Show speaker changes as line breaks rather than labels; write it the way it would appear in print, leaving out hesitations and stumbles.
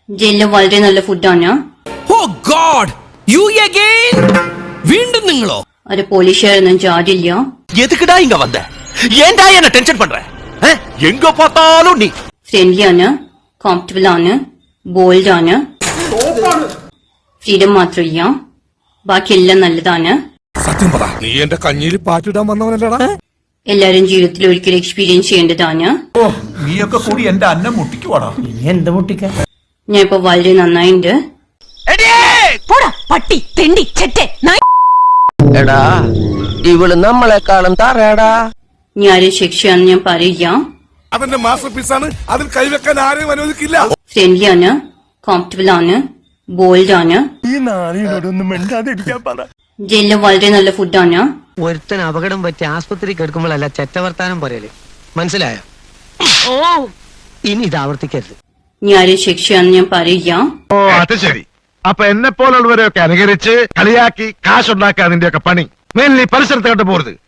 ജയിലിലെ വളരെ നല്ല ഫുഡാണ്.
Oh God, you again? വീണ്ടും നിങ്ങളോ?
അത് പോലീസുകാരൊന്നും ചാടില്ല.
எதுக்குடா இங்க வந்த? ஏன்டா என்ன டென்ஷன் பண்ற? எங்க பார்த்தாலும் நீ
ഫ്രണ്ട്ലി ആണ്, കോംഫർട്ടബിൾ ആണ്, ബോൾഡ് ആണ്. ഫ്രീഡം മാത്രമില്ല, ബാക്കിയെല്ലാം നല്ലതാണ്.
സത്യം പറ, നീ എന്റെ കഞ്ഞിയിൽ പാറ്റിടാൻ വന്നവനല്ലടാ.
എല്ലാരും ജീവിതത്തിൽ ഒരിക്കലും എക്സ്പീരിയൻസ് ചെയ്യേണ്ടതാണ്.
ഓ, നീയൊക്കെ കൂടി എന്റെ അന്നം മുട്ടിക്കുവാടാ.
എന്ത് മുട്ടിക്ക?
ഞാൻ ഇപ്പൊ വളരെ നന്നായിണ്ട്.
പട്ടി തെണ്ടി ചെറ്റെ
എടാ, ഇവള് നമ്മളെക്കാളും തറയടാ.
ഞാൻ ആരും ശിക്ഷയാണെന്ന് ഞാൻ പറയില്ല.
അവന്റെ മാസ്റ്റർ പീസാണ്, അതിൽ കൈവെക്കാൻ ആരെയും അനുവദിക്കില്ല.
ഫ്രണ്ട്ലി ആണ്, കോംഫർട്ടബിൾ ആണ്, ബോൾഡ് ആണ്.
ഈ നാളിനോടൊന്നും മിണ്ടാതിരിക്കാൻ പറ.
ജയിലിലെ വളരെ നല്ല ഫുഡാണ്.
ഒരുത്തൻ അപകടം പറ്റി ആസ്പത്രി കിടക്കുമ്പോഴല്ല ചെറ്റവർത്താനം പറയല്, മനസ്സിലായോ? ഓ, ഇനി ഇത് ആവർത്തിക്കരുത്.
ഞാൻ ആരും ശിക്ഷയാണെന്ന് ഞാൻ പറയില്ല.
ഓ, അത് ശരി. അപ്പൊ എന്നെ പോലുള്ളവരെയൊക്കെ അനുകരിച്ച് കളിയാക്കി കാശുണ്ടാക്കുക അതിന്റെയൊക്കെ പണി. മേലിൽ പരിസരത്ത് കണ്ടു പോരുത്.